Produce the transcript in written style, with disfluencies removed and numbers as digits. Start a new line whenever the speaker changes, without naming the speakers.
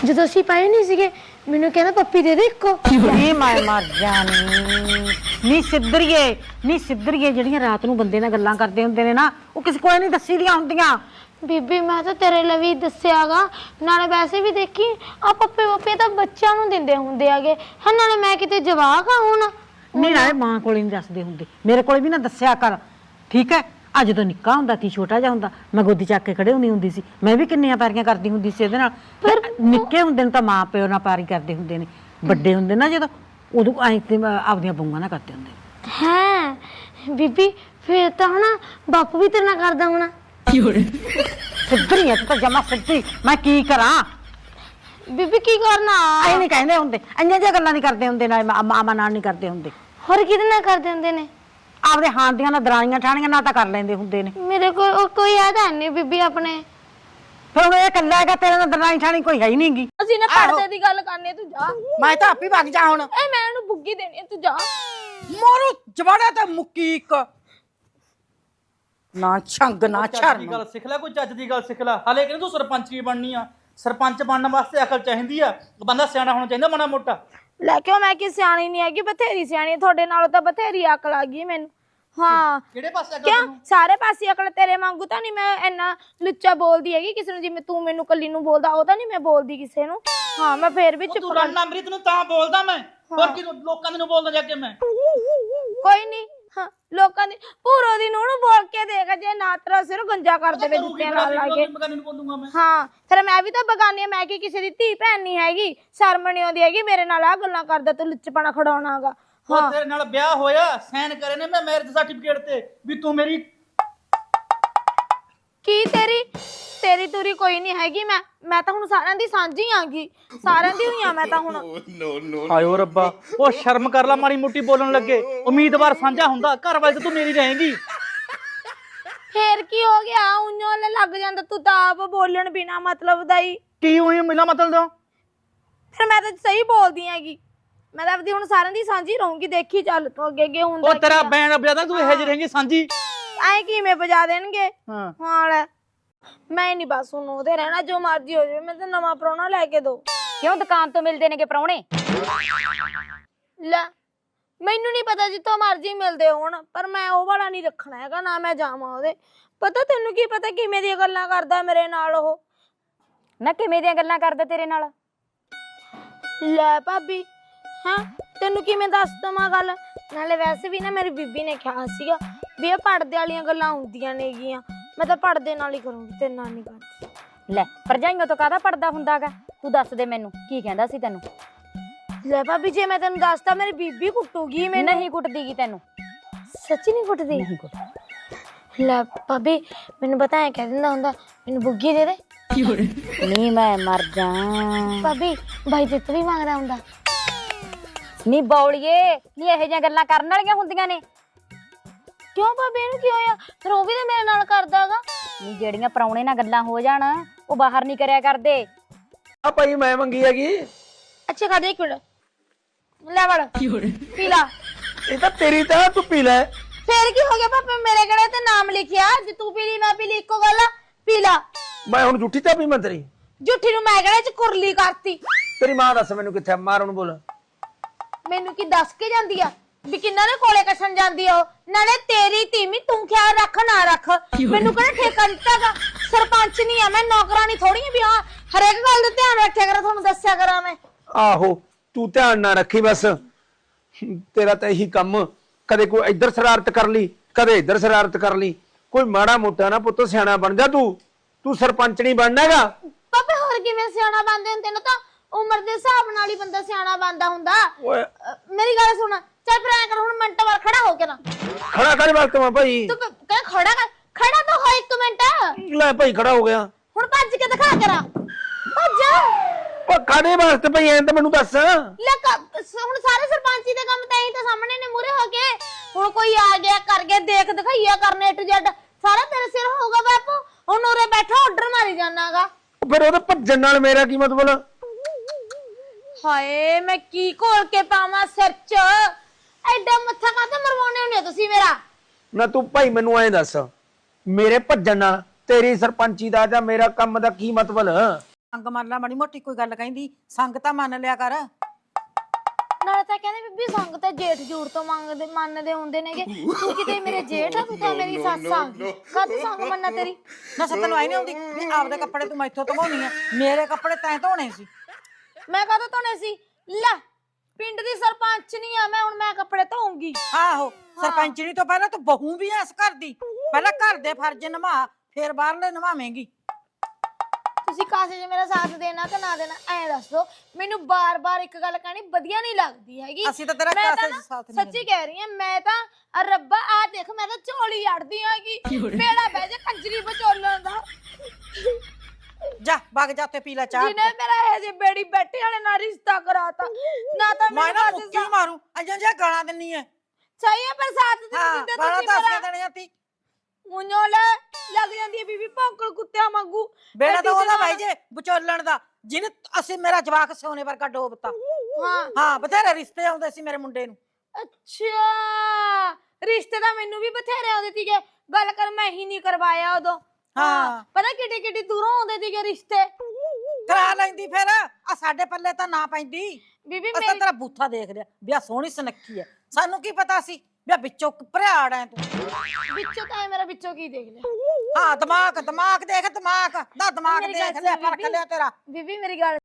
ਜਦੋਂ ਅਸੀਂ ਪਾਏ ਨਹੀਂ ਸੀਗੇ ਮੈਨੂੰ ਕਹਿੰਦਾ ਪੱਪੀ ਦੇ ਦੇ ਇੱਕੋ।
ਨੀ ਮੈਂ ਮਰ ਜਾਣੀ ਨੀ ਸਿੱਧਰੀਏ ਜਿਹੜੀਆਂ ਰਾਤ ਨੂੰ ਬੰਦੇ ਨਾਲ ਗੱਲਾਂ ਕਰਦੇ ਹੁੰਦੇ ਨੇ ਨਾ ਉਹ ਕਿਸੇ ਕੋਲ ਨਹੀਂ ਦੱਸੀ ਦੀਆਂ ਹੁੰਦੀਆਂ।
ਬੀਬੀ ਮੈਂ ਤਾਂ ਤੇਰੇ ਲਈ ਵੀ ਦੱਸਿਆਗਾ, ਨਾਲੇ ਵੈਸੇ ਵੀ ਦੇਖੀ ਆ ਪੱਪੇ ਤਾਂ ਬੱਚਿਆਂ ਨੂੰ ਦਿੰਦੇ ਹੁੰਦੇ ਆਗੇ ਹੈ, ਨਾਲੇ ਮੈਂ ਕਿਤੇ ਜਵਾਕ ਆ ਹੁਣ।
ਨਹੀਂ ਨਾਲੇ ਮਾਂ ਕੋਲ ਨਹੀਂ ਦੱਸਦੇ ਹੁੰਦੇ, ਮੇਰੇ ਕੋਲ ਵੀ ਨਾ ਦੱਸਿਆ ਕਰ ਠੀਕ ਹੈ। ਅੱਜ ਜਦੋਂ ਨਿੱਕਾ ਹੁੰਦਾ ਸੀ ਛੋਟਾ ਜਿਹਾ ਹੁੰਦਾ ਮੈਂ ਗੋਦੀ ਚੱਕ ਕੇ ਖੜੇ ਹੁੰਦੀ ਸੀ, ਮੈਂ ਵੀ ਕਿੰਨੀਆਂ ਪੈਰੀਆਂ ਕਰਦੀ ਹੁੰਦੀ ਸੀ ਇਹਦੇ ਨਾਲ। ਪਰ ਨਿੱਕੇ ਹੁੰਦੇ ਨੇ ਤਾਂ ਮਾਂ ਪਿਓ ਨਾਲ ਪੈਰੀ ਕਰਦੇ ਹੁੰਦੇ ਨੇ, ਵੱਡੇ ਹੁੰਦੇ ਨਾ ਜਦੋਂ ਉਦੋਂ ਐਂ ਤੇ ਆਪਦੀਆਂ ਬੂਆਂ ਨਾਲ ਕਰਦੇ ਹੁੰਦੇ
ਹੈ। ਬੀਬੀ ਫੇਰ ਤਾਂ ਹਨਾ ਬਾਪੂ ਵੀ ਤੇਰੇ ਨਾਲ ਕਰਦਾ ਹੋਣਾ।
ਸਿੱਧਰੀ ਹੈ ਤੂੰ ਤਾਂ ਜਮਾ ਸਿੱਧੀ, ਮੈਂ ਕੀ ਕਰਾਂ।
ਬੀਬੀ ਕੀ ਕਰਨਾ
ਐ ਨਹੀਂ ਕਹਿੰਦੇ ਹੁੰਦੇ, ਇੰਨੀਆਂ ਜਿਹੀਆਂ ਗੱਲਾਂ ਨਹੀਂ ਕਰਦੇ ਹੁੰਦੇ, ਨਾਲ ਮਾਮਾ ਨਾਲ ਨਹੀਂ ਕਰਦੇ ਹੁੰਦੇ।
ਹੋਰ ਕਿਹਦੇ ਨਾਲ ਕਰਦੇ ਹੁੰਦੇ ਨੇ?
ਆਪਦੇ ਹਾਣ ਦੀਆਂ ਨਾਲ ਦਰਾਣੀਆਂ ਠਾਣੀਆਂ ਨਾਲ ਤਾਂ ਕਰ ਲੈਂਦੇ ਹੁੰਦੇ ਨੇ।
ਮੇਰੇ ਕੋਲ ਕੋਈ ਯਾਦ ਹੈ ਨਹੀਂ ਬੀਬੀ ਆਪਣੇ।
ਫਿਰ ਹੁਣ ਇਹ ਇਕੱਲਾ ਹੈਗਾ, ਤੇਰੇ ਨਾਲ ਦਰਾਣੀ ਠਾਣੀ ਕੋਈ ਹੈ ਹੀ ਨਹੀਂਗੀ।
ਅਸੀਂ ਨਾ ਪਰਦੇ ਦੀ ਗੱਲ ਕਰਨੀ, ਤੂੰ ਜਾ।
ਮੈਂ ਤਾਂ ਆਪੇ ਵਗ ਜਾ ਹੁਣ।
ਇਹ ਮੈਂ ਇਹਨੂੰ ਬੁੱਗੀ ਦੇਣੀ ਹੈ, ਤੂੰ ਜਾ।
ਮੋਰੂ ਜਵਾੜਾ ਤੇ ਮੁੱਕੀ ਇੱਕ ਨਾ ਛੰਗ ਨਾ ਛਰਮ।
ਗੱਲ ਸਿੱਖ ਲੈ, ਕੋਈ ਚੱਜ ਦੀ ਗੱਲ ਸਿੱਖ ਲੈ। ਹਾਲੇ ਕਹਿੰਦੇ ਤੂੰ ਸਰਪੰਚ ਕੀ ਬਣਨੀ ਆ? ਸਰਪੰਚ ਬਣਨ ਵਾਸਤੇ ਅਕਲ ਚਾਹੀਦੀ ਆ, ਬੰਦਾ ਸਿਆਣਾ ਹੋਣਾ ਚਾਹੀਦਾ ਮਾੜਾ ਮੋਟਾ।
ਲੈ ਕਿਉਂ ਮੈਂ ਕੀ ਸਿਆਣੀ ਨਹੀਂ ਹੈਗੀ, ਬਥੇਰੀ ਸਿਆਣੀ। ਤੁਹਾਡੇ ਨਾਲੋਂ ਤਾਂ ਬਥੇਰੀ ਅਕਲ ਆ ਗਈ ਮੈਨੂੰ। ਹਾਂ
ਕਿਹੜੇ ਪਾਸੇ ਅਕਲ
ਕਿਉਂ
ਤੈਨੂੰ?
ਸਾਰੇ ਪਾਸੇ ਅਕਲ। ਤੇਰੇ ਵਾਂਗੂ ਤਾਂ ਨਹੀਂ ਮੈਂ ਇੰਨਾ ਲੁੱਚਾ ਬੋਲਦੀ ਹੈਗੀ ਕਿਸੇ ਨੂੰ, ਜਿਵੇਂ ਤੂੰ ਮੈਨੂੰ ਕੱਲੀ ਨੂੰ ਬੋਲਦਾ ਉਹ ਤਾਂ ਨਹੀਂ ਮੈਂ ਬੋਲਦੀ ਕਿਸੇ ਨੂੰ। ਹਾਂ ਮੈਂ ਫੇਰ ਵੀ ਚੁੱਪ
ਤੂੰ
ਕਰ।
ਰੰਨਾ ਅੰਮ੍ਰਿਤ ਨੂੰ ਤਾਂ ਬੋਲਦਾ ਮੈਂ, ਹੋਰ ਕੀ ਲੋਕਾਂ ਦੇ ਨੂੰ ਬੋਲਦਾ ਜਾ ਕੇ ਮੈਂ।
ਕੋਈ ਨਹੀਂ ਹਾਂ ਲੋਕਾਂ ਦੀ ਪੂਰੋ ਦੀ ਨੂੰ ਬੋਲ ਕੇ ਦੇਖ, ਜੇ ਨਾ ਤੇਰਾ ਸਿਰ ਗੰਜਾ ਕਰ ਦੇਵੇ ਜੁੱਤਿਆਂ ਨਾਲ ਲਾ ਕੇ।
ਨੂੰ ਬੋਲੂੰਗਾ ਮੈਂ।
ਹਾਂ ਫਿਰ ਮੈਂ ਵੀ ਤਾਂ ਬਗਾਨੀ, ਮੈਂ ਕੀ ਕਿਸੇ ਦੀ ਧੀ ਭੈਣ ਨਹੀਂ ਹੈਗੀ, ਸ਼ਰਮ ਨਹੀਂ ਆਉਂਦੀ ਹੈਗੀ ਮੇਰੇ ਨਾਲ ਆ ਗੱਲਾਂ ਕਰਦਾ ਤੂੰ ਲੁੱਚਪਣਾ ਖੜਾਉਣਾਗਾ।
ਉਹ ਤੇਰੇ ਨਾਲ ਵਿਆਹ ਹੋਇਆ, ਸਾਈਨ ਕਰੇ ਨੇ ਮੈਂ ਮੈਰਿਜ ਸਰਟੀਫਿਕੇਟ ਤੇ ਵੀ ਤੂੰ ਮੇਰੀ।
ਕੀ ਤੇਰੀ ਤੂਰੀ ਕੋਈ ਨਹੀਂ ਹੈਗੀ। ਮੈਂ ਤਾਂ ਹੁਣ ਸਾਰਿਆਂ ਦੀ ਸਾਂਝੀ ਆਂਗੀ, ਸਾਰਿਆਂ ਦੀ ਹੋਈ ਆ ਮੈਂ ਤਾਂ ਹੁਣ।
ਹਾਇਓ ਰੱਬਾ, ਉਹ ਸ਼ਰਮ ਕਰ ਲੈ ਮਾੜੀ ਮੋਟੀ ਬੋਲਣ ਲੱਗੇ। ਉਮੀਦਵਾਰ ਸਾਂਝਾ ਹੁੰਦਾ, ਘਰ ਵਾਲੇ ਤੇ ਤੂੰ ਮੇਰੀ ਰਹੇਂਗੀ।
ਫੇਰ ਕੀ ਹੋ ਗਿਆ, ਉਈਓ ਲੱਗ ਜਾਂਦਾ ਤੂੰ ਤਾਂ ਆਪ ਬੋਲਣ ਬਿਨਾ ਮਤਲਬ ਦਾ ਹੀ।
ਕੀ ਹੋਈ ਮਿਲਾ ਮਤਲਬ ਦੋ?
ਫਿਰ ਮੈਂ ਤਾਂ ਸਹੀ ਬੋਲਦੀ ਹੈਗੀ, ਮੈਂ ਤਾਂ ਆਪਦੀ ਹੁਣ ਸਾਰਿਆਂ ਦੀ ਸਾਂਝੀ ਰਹੂੰਗੀ। ਦੇਖੀ ਚੱਲ ਤੂੰ ਅੱਗੇ ਹੁੰਦਾ।
ਉਹ ਤੇਰਾ ਬੈਂਡ ਵਜਾਦਾ, ਤੂੰ ਇਹੋ ਜਿਹੀ ਰਹੇਂਗੀ ਸਾਂਝੀ।
ਐ ਕਿਵੇਂ ਵਜਾ ਦੇਣਗੇ?
ਹਾਂ
ਲੈ ਮੈਂ ਨਹੀਂ ਬਸ ਹੁਣ ਉਹਦੇ ਰਹਿਣਾ, ਜੋ ਮਰਜ਼ੀ ਹੋ ਜਾਵੇ। ਮੈਂ ਤਾਂ ਨਵਾਂ ਪ੍ਰਾਹੁਣਾ ਲੈ ਕੇ ਦੋ।
ਕਿਉਂ ਦੁਕਾਨ ਤੋਂ ਮਿਲਦੇ ਨੇਗੇ ਪ੍ਰਾਹੁਣੇ?
ਲੈ ਮੈਨੂੰ ਨਹੀਂ ਪਤਾ ਜਿੱਥੋਂ ਮਰਜ਼ੀ ਮਿਲਦੇ ਹੋਣ, ਪਰ ਮੈਂ ਉਹ ਵਾਲਾ ਨਹੀਂ ਰੱਖਣਾ ਹੈਗਾ ਨਾ, ਮੈਂ ਜਾਵਾਂ ਉਹਦੇ। ਪਤਾ ਤੈਨੂੰ ਕੀ ਪਤਾ ਕਿਵੇਂ ਦੀਆਂ ਗੱਲਾਂ ਕਰਦਾ ਮੇਰੇ ਨਾਲ ਉਹ।
ਨਾ ਕਿਵੇਂ ਦੀਆਂ ਗੱਲਾਂ ਕਰਦਾ ਤੇਰੇ ਨਾਲ?
ਲੈ ਭਾਬੀ ਹਾਂ ਤੈਨੂੰ ਕਿਵੇਂ ਦੱਸ ਦਵਾਂ ਗੱਲ। ਨਾਲੇ ਵੈਸੇ ਵੀ ਨਾ ਮੇਰੀ ਬੀਬੀ ਨੇ ਕਿਹਾ ਸੀਗਾ ਵੀ ਇਹ ਪੜਦੇ ਵਾਲੀਆਂ ਗੱਲਾਂ ਹੁੰਦੀਆਂ ਨੇਗੀਆਂ। ਮੈਂ ਤਾਂ ਪੜਦੇ ਨਾਲ ਹੀ ਕਰੂੰਗੀ, ਤੇਰੇ ਨਾਲ ਨਹੀਂ ਕਰਦੀ।
ਲੈ ਭਰਜਾਈਆਂ ਤੋਂ ਕਾਹਦਾ ਪੜਦਾ ਹੁੰਦਾਗਾ? ਤੂੰ ਦੱਸ ਦੇ ਮੈਨੂੰ, ਕੀ ਕਹਿੰਦਾ ਸੀ ਤੈਨੂੰ?
ਲੈ ਭਾਬੀ ਜੇ ਮੈਂ ਤੈਨੂੰ ਦੱਸਤਾ ਮੇਰੀ ਬੀਬੀ ਕੁੱਟੂਗੀ ਮੈਨੂੰ।
ਨਹੀਂ ਕੁੱਟਦੀਗੀ ਤੈਨੂੰ।
ਸੱਚੀ ਨਹੀਂ ਕੁੱਟਦੀ?
ਨਹੀਂ ਕੁੱਟਦੀ।
ਲੈ ਭਾਬੀ ਮੈਨੂੰ ਪਤਾ ਹੈ ਕਹਿ ਦਿੰਦਾ ਹੁੰਦਾ ਮੈਨੂੰ ਬੁੱਗੀ ਦੇ ਦੇ।
ਨਹੀਂ ਮੈਂ ਮਰ ਜਾ।
ਭਾਬੀ ਭਾਈ ਤੇ ਵੀ ਮੰਗਦਾ ਹੁੰਦਾ।
ਨਹੀਂ ਬੌਲੀਏ, ਨਹੀਂ ਇਹੋ ਜਿਹੀਆਂ ਗੱਲਾਂ ਕਰਨ ਵਾਲੀਆਂ ਹੁੰਦੀਆਂ ਨੇ।
ਕਿਉਂ ਭਾਬੀ ਇਹਨੂੰ ਕੀ ਹੋਇਆ? ਫਿਰ ਉਹ ਵੀ ਤਾਂ ਮੇਰੇ ਨਾਲ ਕਰਦਾਗਾ।
ਨਹੀਂ ਜਿਹੜੀਆਂ ਪ੍ਰਾਹੁਣੇ ਨਾਲ ਗੱਲਾਂ ਹੋ ਜਾਣ ਉਹ ਬਾਹਰ ਨਹੀਂ ਕਰਿਆ ਕਰਦੇ।
ਆ ਭਾਈ ਮੈਂ ਮੰਗੀ ਹੈਗੀ।
ਅੱਛਾ ਖਾ ਦੇ ਇੱਕ ਮਿੰਟ, ਲੈ ਵੜ ਪੀ ਲਾ।
ਇਹ ਤਾਂ ਤੇਰੀ ਤਾਂ ਤੂੰ ਪੀ ਲੈ।
ਫੇਰ ਕੀ ਹੋ ਗਿਆ ਭਾਪੇ, ਮੇਰੇ ਕਿਹੜੇ ਤੇ ਨਾਮ ਲਿਖਿਆ? ਜੇ ਤੂੰ ਪੀ ਲਈ ਮੈਂ ਪੀ ਲਈ ਇੱਕੋ ਗੱਲ ਆ। ਪੀ ਲਾ।
ਮੈਂ ਹੁਣ ਝੂਠੀ ਚਾਹ ਪੀਵਾਂ ਤੇਰੀ?
ਝੂਠੀ ਨੂੰ ਮੈਂ ਕਿਹੜੇ ਚ ਕੁਰਲੀ ਕਰਤੀ?
ਤੇਰੀ ਮਾਂ ਦੱਸ ਮੈਨੂੰ ਕਿੱਥੇ ਮਾਰ ਉਹਨੂੰ ਬੋਲ।
ਮੈਨੂੰ ਕੀ ਦੱਸ ਕੇ ਜਾਂਦੀ ਆ ਵੀ ਕਿੰਨਾ ਦੇ ਕੋਲੇ ਕੱਛਣ ਜਾਂਦੀ ਆ ਉਹ? ਨਾਲੇ ਤੇਰੀ ਧੀਮੀ ਤੂੰ ਖਿਆਲ ਰੱਖ ਨਾ ਰੱਖ, ਮੈਨੂੰ ਕਿਹੜਾ ਠੇਕਾ ਦਿੱਤਾਗਾ? ਸਰਪੰਚ ਨਹੀਂ ਆ ਮੈਂ, ਨੌਕਰਾਨੀ ਥੋੜੀ ਆ ਵੀ ਹਾਂ ਹਰੇਕ ਗੱਲ ਦਾ ਧਿਆਨ ਰੱਖਿਆ ਕਰਾਂ, ਤੁਹਾਨੂੰ ਦੱਸਿਆ ਕਰਾਂ ਮੈਂ।
ਆਹੋ ਤੂੰ ਧਿਆਨ ਨਾ ਰੱਖੀ ਬਸ, ਤੇਰਾ ਤਾਂ ਇਹੀ ਕੰਮ। ਕਦੇ ਕੋਈ ਇੱਧਰ ਸ਼ਰਾਰਤ ਕਰ ਲਈ, ਕਦੇ ਇੱਧਰ ਸ਼ਰਾਰਤ ਕਰ ਲਈ। ਕੋਈ ਮਾੜਾ ਮੋਟਾ ਨਾ ਪੁੱਤ ਸਿਆਣਾ ਬਣ ਜਾ। ਤੂੰ ਸਰਪੰਚ ਨਹੀਂ ਬਣਨਾ ਹੈਗਾ।
ਪਾਪੇ ਹੋਰ ਕਿਵੇਂ ਸਿਆਣਾ ਬਣਦੇ ਹੁੰਦੇ ਨੇ? ਤਾਂ ਉਮਰ ਦੇ ਹਿਸਾਬ ਨਾਲ ਹੀ ਬੰਦਾ ਸਿਆਣਾ ਬਣਦਾ ਹੁੰਦਾ। ਮੇਰੀ ਗੱਲ ਸੁਣ, ਚੱਲ ਫਿਰ ਐਂ ਕਰ ਹੁਣ ਮਿੰਟ ਵਾਰ ਖੜਾ ਹੋ ਕੇ ਨਾ।
ਖੜਾ ਕਰ ਵਕਤ ਮੈਂ ਭਾਈ।
ਤੂੰ ਕਹਿ ਖੜਾ ਤਾਂ ਹੋ 1 ਮਿੰਟ।
ਲੈ ਭਾਈ ਖੜਾ ਹੋ ਗਿਆ।
ਹੁਣ ਭੱਜ ਕੇ ਦਿਖਾ ਕਰਾਂ। ਭੱਜ।
ਉਹ ਕਾਦੇ ਵਾਸਤੇ ਭਾਈ ਐਂ ਤਾਂ ਮੈਨੂੰ ਦੱਸ।
ਲੈ ਹੁਣ ਸਾਰੇ ਸਰਪੰਚੀ ਦੇ ਕੰਮ ਤਾਂ ਇਹੀ ਤਾਂ ਸਾਹਮਣੇ ਨੇ ਮੂਰੇ ਹੋ ਕੇ। ਹੁਣ ਕੋਈ ਆ ਗਿਆ ਕਰ ਗਿਆ ਦੇਖ ਦਿਖਾਈਆ ਕਰਨੇ A to Z ਸਾਰਾ ਤੇਰੇ ਸਿਰ ਹੋਊਗਾ ਬਾਪੂ। ਹੁਣ ਉਰੇ ਬੈਠਾ ਆਰਡਰ ਮਾਰੀ ਜਾਣਾਗਾ।
ਫਿਰ ਉਹਦੇ ਭੱਜਣ ਨਾਲ ਮੇਰਾ ਕੀ ਮਤਲਬ?
ਹਾਏ ਮੈਂ ਕੀ ਘੋਲ ਕੇ ਪਾਵਾਂ ਸਿਰ ਚ? ਐਡਾ ਮੱਥਾ ਕਾਹਤੇ ਮਰਵਾਉਣੇ ਹੁੰਦੇ ਤੁਸੀਂ ਮੇਰਾ?
ਨਾ ਤੂੰ ਭਾਈ ਮੈਨੂੰ ਐਂ ਦੱਸ, ਮੇਰੇ ਭੱਜਣ ਨਾਲ ਤੇਰੀ ਸਰਪੰਚੀ ਦਾ ਜਾਂ ਮੇਰਾ ਕੰਮ ਦਾ ਕੀ ਮਤਲਬ?
ਸੰਗ ਮੰਨ ਲਾ, ਮਾੜੀ ਮੋਟੀ ਕੋਈ ਗੱਲ ਕਹਿੰਦੀ ਸੰਗ ਤਾਂ ਮੰਨ ਲਿਆ ਕਰ।
ਨਾਲੇ ਤਾਂ ਕਹਿੰਦੇ ਬੀਬੀ ਸੰਗ ਤੇ ਜੇਠ ਜੂੜ ਤੋਂ ਮੰਨਦੇ ਹੁੰਦੇ ਨੇਗੇ। ਤੂੰ ਕਿਤੇ ਮੇਰੇ ਜੇਠ ਆ, ਤੂੰ ਤਾਂ ਮੇਰੀ ਸੱਸ ਆ। ਕਦ ਸੰਗ ਮੰਨਾ ਤੇਰੀ?
ਨਾ ਤੈਨੂੰ ਆਈ ਨਹੀਂ ਆਉਂਦੀ ਵੀ ਆਪਦੇ ਕੱਪੜੇ ਤੂੰ ਮੈਥੋਂ ਧਵਾਉਣੀ ਆ, ਮੇਰੇ ਕੱਪੜੇ ਤੈਂ ਧੋਣੇ ਸੀ।
ਮੈਂ ਕਦੋਂ ਧੋਣੇ ਸੀ? ਲੈ ਪਿੰਡ ਦੀ ਸਰਪੰਚ ਨਹੀਂ ਆ ਮੈਂ, ਹੁਣ ਮੈਂ ਕੱਪੜੇ ਧੋਉਂਗੀ।
ਆਹੋ ਸਰਪੰਚਣੀ ਤੋਂ ਪਹਿਲਾਂ ਤੂੰ ਬਹੂ ਵੀ ਐ ਇਸ ਘਰ ਦੀ, ਪਹਿਲਾਂ ਘਰ ਦੇ ਫਰਜ਼ ਨਿਭਾ ਫਿਰ ਬਾਹਰਲੇ ਨਿਭਾਵੇਂਗੀ।
ਤੁਸੀਂ ਕਾਸੇ 'ਚ ਮੇਰਾ ਸਾਥ ਦੇਣਾ ਕਿ ਨਾ ਦੇਣਾ ਐ ਦੱਸ ਦੋ ਮੈਨੂੰ। ਬਾਰ-ਬਾਰ ਇੱਕ ਗੱਲ ਕਹਿਣੀ ਵਧੀਆ ਨਹੀਂ ਲੱਗਦੀ ਹੈਗੀ।
ਅਸੀਂ ਤਾਂ ਤੇਰਾ
ਮੈਂ
ਕਾਸੇ
ਤਾਂ
'ਚ
ਨਾ
ਸਾਥ ਨਹੀਂ
ਸੱਚੀ ਕਹਿ ਰਹੀ ਆ, ਮੈਂ ਤਾਂ ਰੱਬਾ ਆ ਦੇਖ ਮੈਂ ਤਾਂ ਝੋਲੀ ਅੜਦੀ ਹੈਗੀ। ਬੇੜਾ ਬਹਿ ਜਾ ਕੰਜਰੀ ਵਿਚੋਲਣ ਦਾ।
ਜਾ ਵਗ ਜਾ ਤੇ ਪੀ ਲੈ ਚਾਹ।
ਜਿਹਨੇ ਮੇਰਾ ਇਹ ਜੇ ਬੇੜੀ ਬੈਠੇ ਵਾਲੇ ਨਾਲ ਰਿਸ਼ਤਾ ਕਰਾਤਾ ਨਾ ਤਾਂ
ਮੈਂ
ਮੇਰੇ
ਨਾ
ਪਾਸੇ
ਮੁੱਕੀ ਮਾਰੂ ਅਜਾਂ ਜੇ ਗਾਲਾਂ ਦਿੰਨੀ ਐ।
ਸਹੀ ਹੈ ਪਰ ਸਾਥ ਦੇ
ਹਾਂ
ਦਿੰਦੇ
ਗਾਲਾਂ
ਤੁਸੀਂ
ਤਾਂ
ਮੇਰਾ।
ਅਸੀਂ ਦੇਣੀਆਂ ਤੀ।
ਮੁੰਨੋ ਲੈ ਲੱਗ ਜਾਂਦੀ ਹੈ ਬੀਬੀ ਭੌਂਕਣ ਕੁੱਤਿਆਂ ਵਾਂਗੂ।
ਬੇੜਾ
ਐਡੀ
ਤਾਂ ਉਹਦਾ
ਜਵਾਨ-
ਭਾਈ ਜੇ ਵਿਚੋਲਣ ਦਾ, ਜਿਹਨੇ ਅਸੀਂ ਮੇਰਾ ਜਵਾਕ ਸੋਨੇ ਵਰਗਾ ਡੋਬਤਾ।
ਹਾਂ
ਹਾਂ ਬਥੇਰੇ ਰਿਸ਼ਤੇ ਆਉਂਦੇ ਸੀ ਮੇਰੇ ਮੁੰਡੇ ਨੂੰ।
ਅੱਛਾ ਰਿਸ਼ਤੇ ਤਾਂ ਮੈਨੂੰ ਵੀ ਬਥੇਰੇ ਆਉਂਦੇ ਸੀਗੇ, ਗੱਲ ਕਰ ਮੈਂ ਹੀ ਨਹੀਂ ਕਰਵਾਇਆ ਉਦੋਂ।
ਹਾਂ।
ਪਤਾ ਕਿੱਡੀ ਕਿੱਡੀ ਦੂਰੋਂ ਆਉਂਦੇ ਸੀਗੇ ਰਿਸ਼ਤੇ।
ਕਰਾ ਲੈਂਦੀ ਫਿਰ ਆ ਸਾਡੇ ਪੱਲੇ ਤਾਂ ਨਾ ਪੈਂਦੀ।
ਬੀਬੀ
ਅਸਾਂ
ਮੇਰੀ
ਤੇਰਾ ਬੂਥਾ ਦੇਖ ਲਿਆ ਵੀ ਆ ਸੋਹਣੀ ਸੁਨੱਖੀ ਐ, ਸਾਨੂੰ ਕੀ ਪਤਾ ਸੀ ਵੀ ਆ ਵਿੱਚੋਂ ਭਰਿਆੜ ਐ ਤੂੰ।
ਵਿੱਚੋਂ ਤਾਂ ਮੇਰਾ ਵਿੱਚੋਂ ਕੀ ਦੇਖ ਲਿਆ?
ਹਾਂ ਦਿਮਾਗ ਦੇਖ, ਦਿਮਾਗ ਦਾ ਦਿਮਾਗ
ਮੇਰੀ ਗੱਲ
ਦੇਖ ਲਿਆ,
ਸੁਣ
ਪਰਖ ਲਿਆ ਤੇਰਾ।
ਬੀਬੀ ਮੇਰੀ ਗੱਲ